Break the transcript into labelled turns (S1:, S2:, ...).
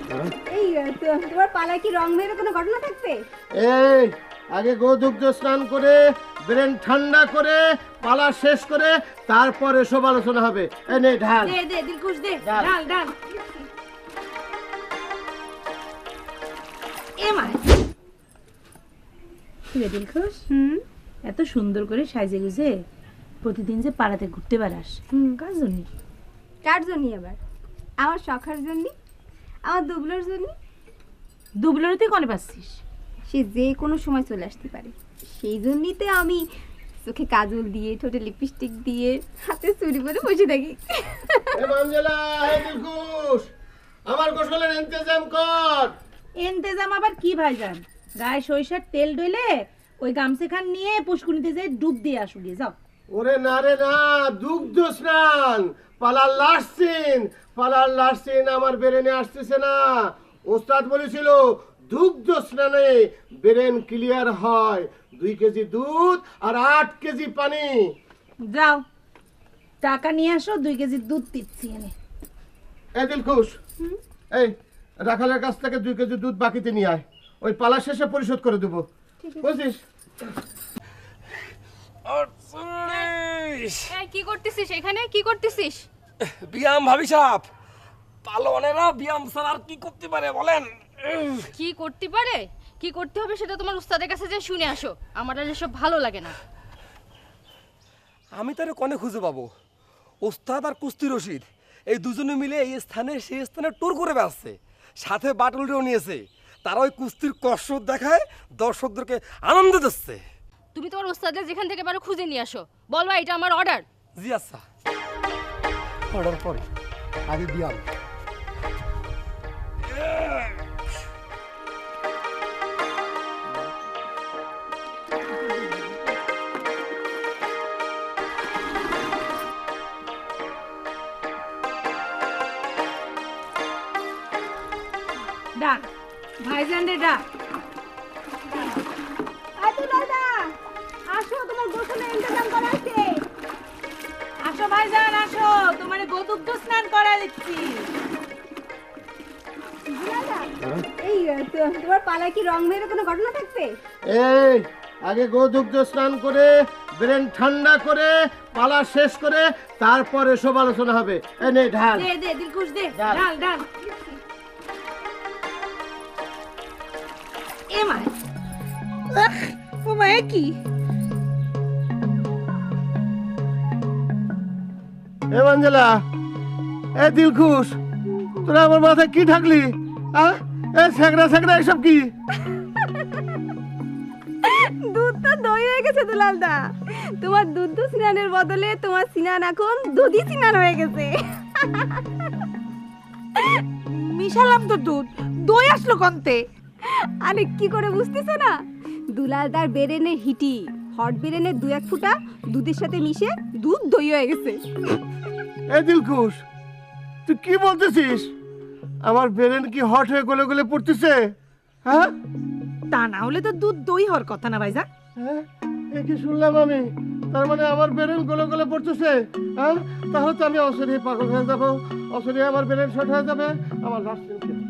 S1: এই তোমার পালায় কি রং মেয়ের কোনো ঘটনা থাকবে?
S2: এই আগে গোদুগ্ধ স্নান করে ব্রেন ঠান্ডা করে পালা শেষ করে তারপরে সব আলোচনা হবে। এই নে ঢাল।
S1: দে দে দিলখুশ দে,
S2: ডাল।
S1: ডাল ডাল। এ মা রে দিলখুশ, এত সুন্দর করে সাজে গুজে প্রতিদিন যে পাড়াতে ঘুরতে বেড়াস, কার জন্য?
S3: কার জন্য আবার? আমার শখার জন্য, আমার দুবলোর জন্য।
S1: দুবলারে তুই কনে পাচ্ছিস?
S3: সে যে কোনো সময় চলে আসতে পারে, সেই জন্যই তো আমি চোখে কাজল দিয়ে, ঠোঁটে লিপস্টিক দিয়ে, হাতে চুড়ি পরে বসে থাকি।
S2: এ মঞ্জুলা, হে দিলখুশ, আমার গোসলের ইন্তজাম কর।
S1: এন্তেজাম আবার কি ভাইজান? গায়ে সরিষার তেল ডলে ওই গামছাখান নিয়ে পুষ্কুনিতে যাই ডুব দিয়ে আসু গিয়ে যাও।
S2: ওরে না রে না, দুগ্ধ স্নান, পালার লাস্ট সিন আমার ব্রেনে আসতেছে না। ওস্তাদ বলেছিল দুগ্ধ স্নানে ব্রেন ক্লিয়ার হয়। 2 কেজি দুধ আর 8 কেজি পানি।
S1: যাও টাকা নিয়ে আসো, 2 কেজি দুধ দিচ্ছি এনে।
S2: এই দিলখুশ, এই রাখালের কাছ থেকে 2 কেজি দুধ বাকিতে নিয়ে আয়, ওই পালা শেষে পরিশোধ করে দেবো, বুঝছিস?
S3: কি করতেছিস এখানে? কি করতেছিস?
S4: বিয়াম ভাবি সাহেব, পালোয়ানেরা বিয়াম ছাড়া আর কি করতে পারে বলেন?
S5: কি করতে পারে, কি করতে হবে সেটা তোমার উস্তাদের কাছে যে শুনে আসো। আমার আর এসব ভালো লাগে না।
S4: আমি তারে কনে খুঁজে পাবো? ওস্তাদ আর কুস্তি রশিদ এই দুজনে মিলে এই স্থানে সেই স্থানে ট্যুর করে বেড়াচ্ছে, সাথে বাটুলটাও নিয়েছে। তারা ওই কুস্তির কসরত দেখায় দর্শকদেরকে আনন্দ দিচ্ছে।
S5: তুমি তোমার উস্তাদের যেখান থেকে পারো খুঁজে নিয়ে আসো, বলবা এটা আমার অর্ডার।
S4: জি আচ্ছা, অর্ডার পরে আগে বিয়াম।
S1: ডাক ভাইজান রে ডাক।
S3: আসো, তোমার গোসলের ইন্তজাম করা আছে।
S1: আসো ভাইজান আসো, তোমার গোদুগ্ধ স্নান করা দিচ্ছি।
S3: এই তোমার পালায় কি রং মেয়ের কোনো ঘটনা থাকবে?
S2: এই আগে গোদুগ্ধ স্নান করে ব্রেন ঠান্ডা করে পালা শেষ করে তারপরে সব আলোচনা হবে। এই নে ঢাল।
S1: দে দে দিলখুশ দে,
S2: ডাল।
S1: ডাল ডাল। এ মা ও মা কি?
S2: এ মঞ্জুলা, এ দিলখুশ, তোরা আমার মাথায় কি ঢাকলি? এ সেগড়া এসব কি?
S3: দুধ তো দই হয়ে গেছে দুলালদা। তোমার দুধ স্নানের বদলে তোমার স্নান এখন দুধই স্নান হয়ে গেছে।
S1: মিশালাম তো দুধ, দই আসলো কন্তে?
S3: আরে কি করে বুঝতেছো না? দুলালদার বেরেনের হিটি হট বেরেনের 2-1 ফুটা দুধের সাথে মিশে দুধ দই হয়ে গেছে।
S2: এ দিলখুশ, তুই কি বলতেছিস? আমার ব্রেন কি হট হয়ে গলে গলে পড়তেছে? হ্যাঁ
S1: তা না হলে তো দুধ দই হওয়ার কথা না ভাইজান।
S2: হ্যাঁ, এ কি শুনলাম আমি? তার মানে আমার ব্রেন গলে গলে পড়তেছে? হ্যাঁ, তাহলে তো আমি অসুরি পাগল হয়ে যাবো, অসুরি আমার ব্রেন শর্ট হয়ে যাবে, আমার লাস্ট